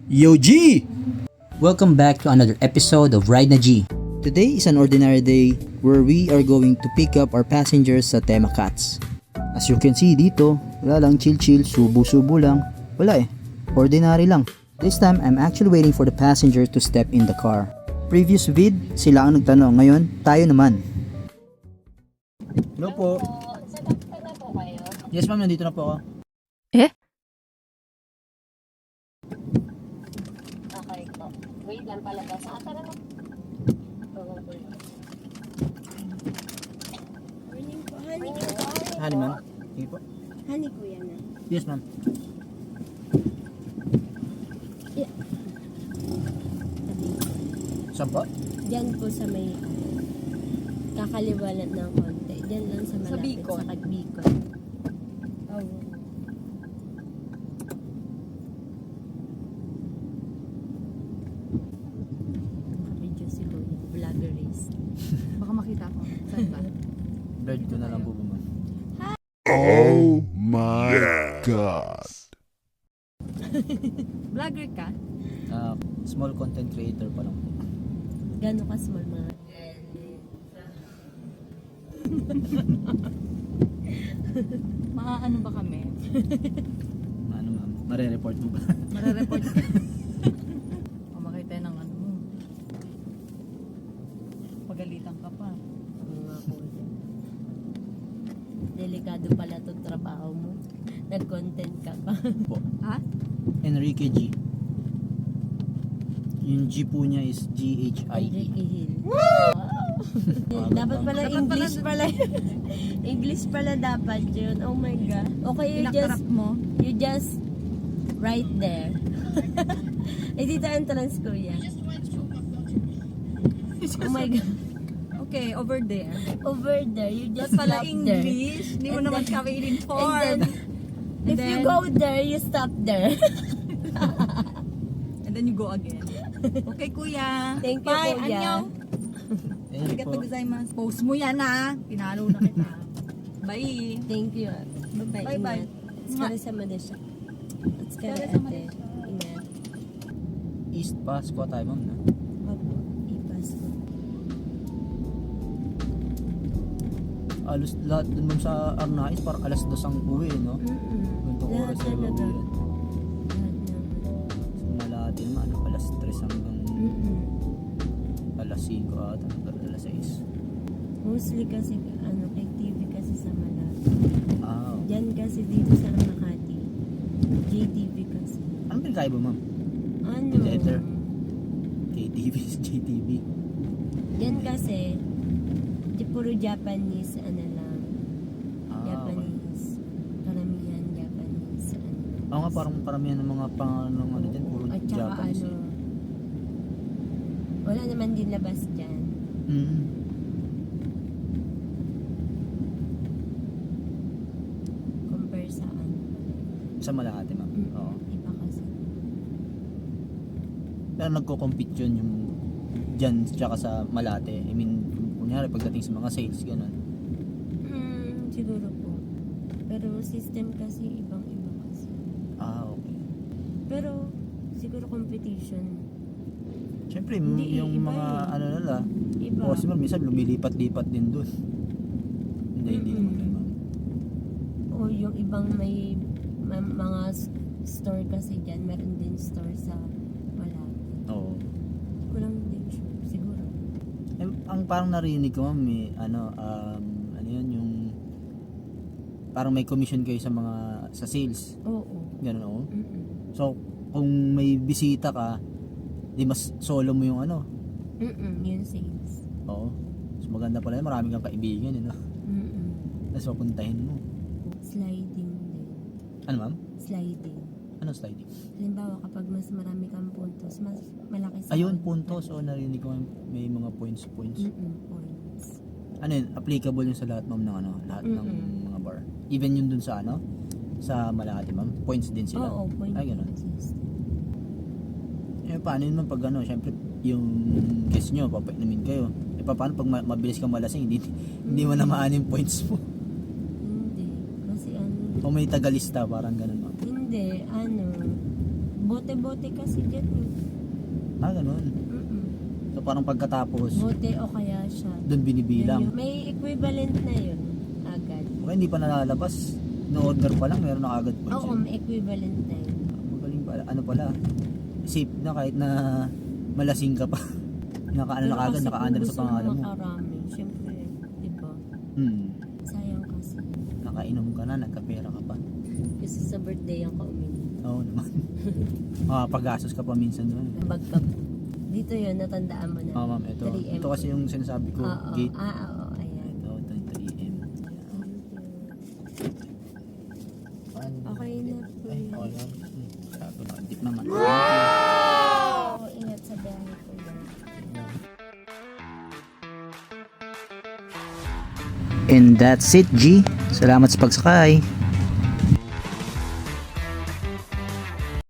Yo G! Welcome back to another episode of Ride na G. Today is an ordinary day where we are going to pick up our passengers sa Tema Cats. As you can see dito, wala lang, chill, subo-subo lang. Wala eh, ordinary lang. This time, I'm actually waiting for the passenger to step in the car. Previous vid, sila ang nagtanong. Ngayon, tayo naman. Hello po. Sakay na po kayo? Yes ma'am, nandito na po ako. Okay po. Wait lang palabas. Tara na. Morning po, honey. Honey ma'am. Sige po. Honey kuya na. Yes ma'am. Saan po? Diyan po sa may kakaliwalat ng konti. Diyan lang sa malapit sa Kagbicol. Oh. Nakabidyo si Kuya. Vloggerist. Baka makita ko. Saan ba? Bird ko na lang po ma'am. Oh my God. Vlogger ka? Small content creator pa lang po. Gano'n ka small mga Mga ano ba kami? Ano ma'am? Mare-report mo ba? Marareport ka? O makita ng ano mo. Pagalitan ka pa. mga kuya. Delikado pala itong trabaho mo. Nag-content ka pa. Po. Ha? Enrique G. Yung G po niya is G-H-I-E. Enrique Hill. Dapat pala English pala. English pala dapat yun. Oh my God. Okay, Pinakarap mo. you just right there. Eh, dito entrance kuya. Oh my God. Okay, over there. Over there, you just That's pala stop there. English. Hindi mo And naman then- kami And in-inform. then, if you then- go there, you stop there. And then you go again. Okay, kuya. Thank you, Bye, kuya. Annyeong. Ayun Arigato po. gozaimasu. Post mo yan ha. Pinalo na kita. Bye. Thank you. Bye-bye. Bye-bye. Ingat. Tsukare desha. Tsukare sama ate. Ingat. East pa, squat tayo ma'am na. Opo. Ipas ko. Alos lahat dun ma'am sa Arnais, parang alas 2 ang uwi, no? Ganitong Lahat oras na talaga. uwi. Lahat naman. So malati naman, ano, alas 3 hanggang alas 5 at hanggang alas 6. Mostly kasi, kay TV kasi sa Malate. Ah, okay. Diyan kasi dito sa Makati. JTV kasi. Anong pinakaiba ma'am? Ano? Letter. KTV is JTV. Yan kasi, di puro Japanese, ano lang. Ah, okay. Japanese. Karamihan Japanese. Ano. Oo nga, parang paramihan ng mga pangalan ano dyan, puro At saka Japanese. ano, wala naman din labas dyan. Mm. Compare sa ano. Sa Malate ma'am. Oo. Iba kasi. Pero nagko-compete yun yung dyan tsaka sa Malate. I mean, kunyari pagdating sa mga sales, gano'n. Siguro po. Pero system kasi ibang-iba kasi. Ah, okay. Pero siguro competition. Siyempre, Hindi, yung iba mga eh. ano nila, Iba. customer, minsan lumilipat-lipat din dun. Hindi naman ganun. O yung ibang may mga store kasi dyan, meron din store sa Malate. Oo. Kulang din sure, siguro. Eh, ang parang narinig ko, ma'am, may, ano yun, yung parang may commission kayo sa mga, sa sales. Oo. Ganun, oo. Mm-mm. So, kung may bisita ka, di mas solo mo yung ano. Yun sales. Oo. So, maganda pala yun, marami kang kaibigan, no? Tapos papuntahin mo. Sliding din. Ano, ma'am? Sliding. Ano sliding? Halimbawa, kapag mas marami kang puntos, mas malaki sa Ayun, puntos. O, narinig ko may mga points. Points. Ano yun? Applicable yun sa lahat, ma'am, ng ano? Lahat ng mga bar. Even yun dun sa ano? Sa Malate, ma'am? Points din sila? Oo, points. Ay, ganun. Eh, paano yun, ma'am, pag ano? Siyempre, yung guest nyo, papainumin kayo. Eh, paano pag mabilis kang malasing, hindi mo namaan yung points mo? Hindi. Kasi ano, O may tagalista, parang ganun, ma'am. hindi, ano, Bote-bote kasi dyan eh. Ganun. Mm-mm. So parang pagkatapos, Bote o kaya siya. doon binibilang. May equivalent na yun agad. Okay, hindi pa nalalabas. No order pa lang, meron na agad po Oo, may equivalent na yun. Magaling pala. Ano pala? Safe na kahit na malasing ka pa. Nakaano na agad, nakaandar sa pangalan mo. Makarami. Siyempre, di ba? Sayang kasi. Nakainom ka na, nagkapera ka pa. Kasi sa birthday ang kauminom. Oo naman. Pag-gastos ka pa minsan doon. Bagkap. Dito yun, natandaan mo na. Ma'am, ito. 3M. Ito kasi yung sinasabi ko, Oo. gate. Oo, ayan. Ito, 3M. Okay na po Ay, yun. okay lang. Sabi na, dip naman. Oo, ingat sa biyahe ko yan. And that's it, G. Salamat sa pagsakay.